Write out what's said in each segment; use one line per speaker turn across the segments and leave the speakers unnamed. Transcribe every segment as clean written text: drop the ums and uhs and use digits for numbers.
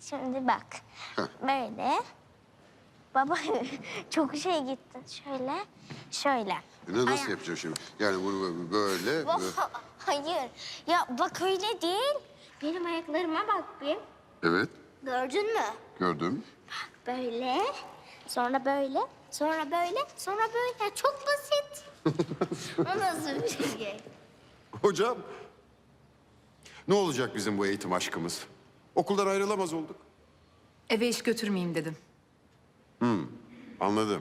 Şimdi bak. Böyle. Baba çok şey gitti. Şöyle, şöyle.
Nasıl yapacağım şimdi? Yani bunu böyle...
Hayır. Ya bak öyle değil. Benim ayaklarıma bak bir.
Evet,
Gördün mü?
gördüm.
Böyle, sonra böyle, sonra böyle, sonra böyle. Çok basit. O nasıl bir şey?
Hocam, ne olacak bizim bu eğitim aşkımız? Okuldan ayrılamaz olduk.
Eve iş götürmeyeyim dedim.
Anladım.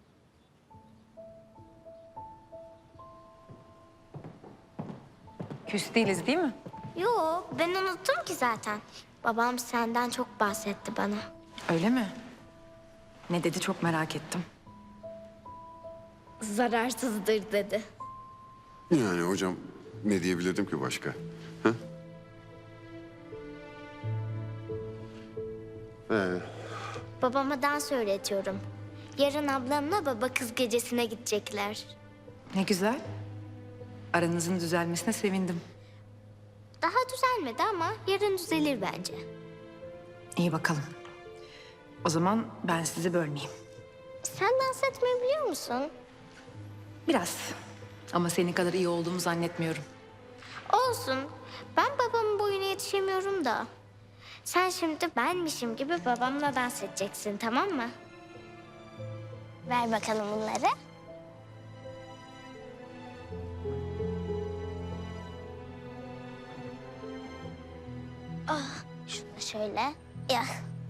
Küs değiliz değil mi?
Yok, ben unuttum ki zaten. Babam senden çok bahsetti bana.
Öyle mi? Ne dedi çok merak ettim.
Zararsızdır dedi.
Yani hocam ne diyebilirdim ki başka? Hı?
Babama dans öğretiyorum. Yarın ablamla baba kız gecesine gidecekler.
Ne güzel. Aranızın düzelmesine sevindim.
Daha düzelmedi ama yarın düzelir bence.
İyi bakalım. O zaman ben sizi bölmeyeyim.
Sen dans etmeyi biliyor musun?
Biraz. Ama senin kadar iyi olduğumu zannetmiyorum.
Olsun. Ben babamın boyuna yetişemiyorum da. Sen şimdi benmişim gibi babamla dans edeceksin, tamam mı? Ver bakalım bunları. Ah, şunu da şöyle. Ya.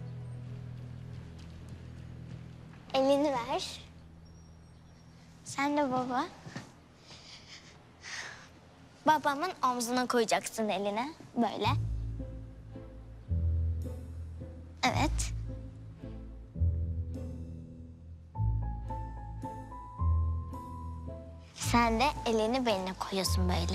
Elini ver. Sen de baba. Babamın omzuna koyacaksın elini. Böyle. Evet. Sen de elini beline koyuyorsun böyle.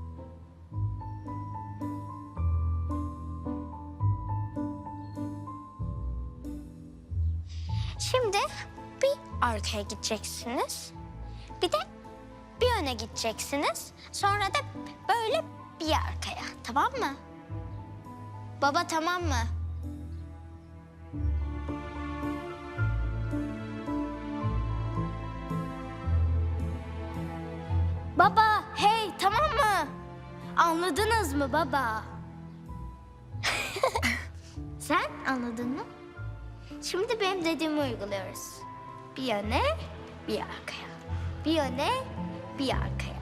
Şimdi bir arkaya gideceksiniz. Bir de bir öne gideceksiniz. Sonra da böyle bir arkaya. Tamam mı? Baba tamam mı? Baba, hey tamam mı? Anladınız mı baba? Sen anladın mı? Şimdi benim dediğimi uyguluyoruz. Bir öne, bir arkaya. Bir öne, bir arkaya.